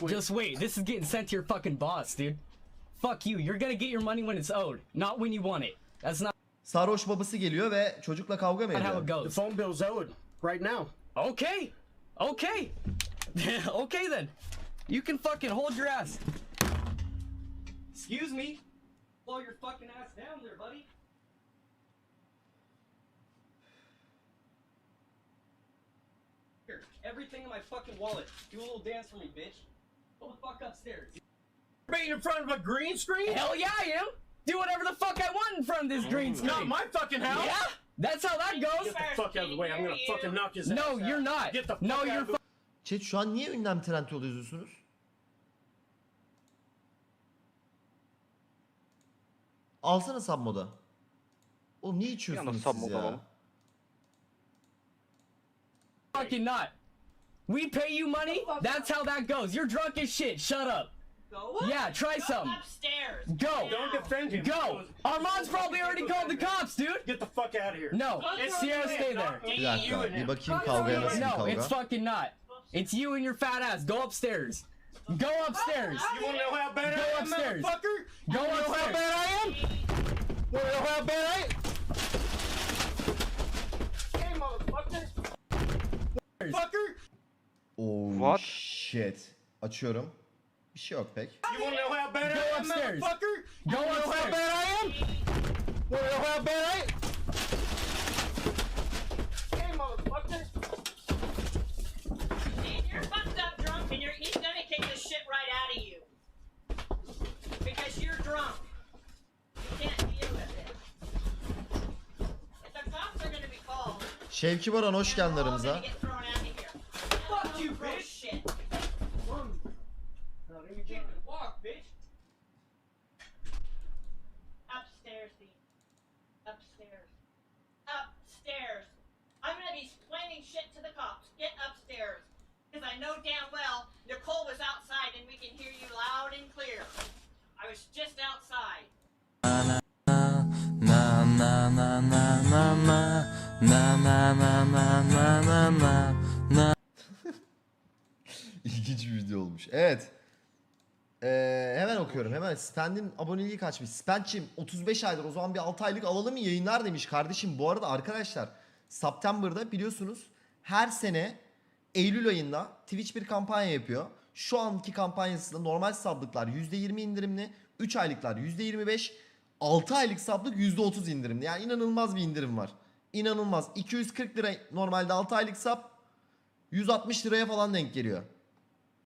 Just wait. This is getting sent to your fucking boss, dude. Fuck you. You're gonna get your money when it's owed, not when you want it. That's not Sarhoş babası geliyor ve çocukla kavga mı how ediyor? it The goes. phone bill's owed right now. Okay. Okay. Okay then. You can fucking hold your ass. Excuse me. Slow your fucking ass down there, buddy. Here, everything in my fucking wallet. Do a little dance for me, bitch. Go the fuck upstairs. Being in front of a green screen? Hell yeah, I am. Do whatever the fuck I want in front of this green screen. Not my fucking house. Yeah, that's how that goes. Get the fuck out of the way. I'm gonna fucking knock his ass No, out. you're not. Get the fuck No, out you're of the Chat şu an niye ünlem trend yolu yazıyorsunuz? Alsana submoda. Oğlum niye içiyorsunuz siz ya? fucking not. We pay you money. That's how that goes. You're drunk as shit. Shut up. Go Yeah, try some. upstairs. Go. Don't defend him. Go. Armand's probably already called the cops, dude. Get the fuck out of here. No, It's Sierra, him, stay not there. me, Bir you dakika and bir him. bakayım kavgaya nasıl bir No, kavga. it's fucking not. It's you and your fat ass. Go upstairs. Go upstairs. You wanna know how bad Go I am, upstairs. motherfucker? Go You wanna know how upstairs. bad I am? Wanna know how bad I am? Hey, motherfucker. Fucker. Oh What? shit. Açıyorum. Bir şey yok pek. You wanna know how bad Go I am, upstairs. motherfucker? Go You wanna know how upstairs. bad I am? Wanna know how bad I am? Hey, motherfucker. You're fucked up drunk and he's gonna kick the shit right out of you. Because you're drunk. You can't deal with it. If the cops are gonna be called, Şevki Baran hoş geldin they're all aramıza. gonna get thrown out of here. Fuck you, Gross bitch. shit. You can't even walk, bitch. Upstairs, Dean. Upstairs. Upstairs. I'm gonna be explaining shit to the cops. Get upstairs. Because I know damn well Nicole was outside and we can hear you loud and clear. I was just outside. İlginç bir video olmuş. Evet. Hemen okuyorum. Hemen Spend'in aboneliği kaçmış. Spend'cim 35 aydır. O zaman bir 6 aylık alalım mı yayınlar demiş. Kardeşim bu arada arkadaşlar September'da biliyorsunuz her sene Eylül ayında Twitch bir kampanya yapıyor. Şu anki kampanyasında normal sablıklar %20 indirimli. 3 aylıklar %25. 6 aylık sablık %30 indirimli. Yani inanılmaz bir indirim var. İnanılmaz. 240 lira normalde 6 aylık sap 160 liraya falan denk geliyor.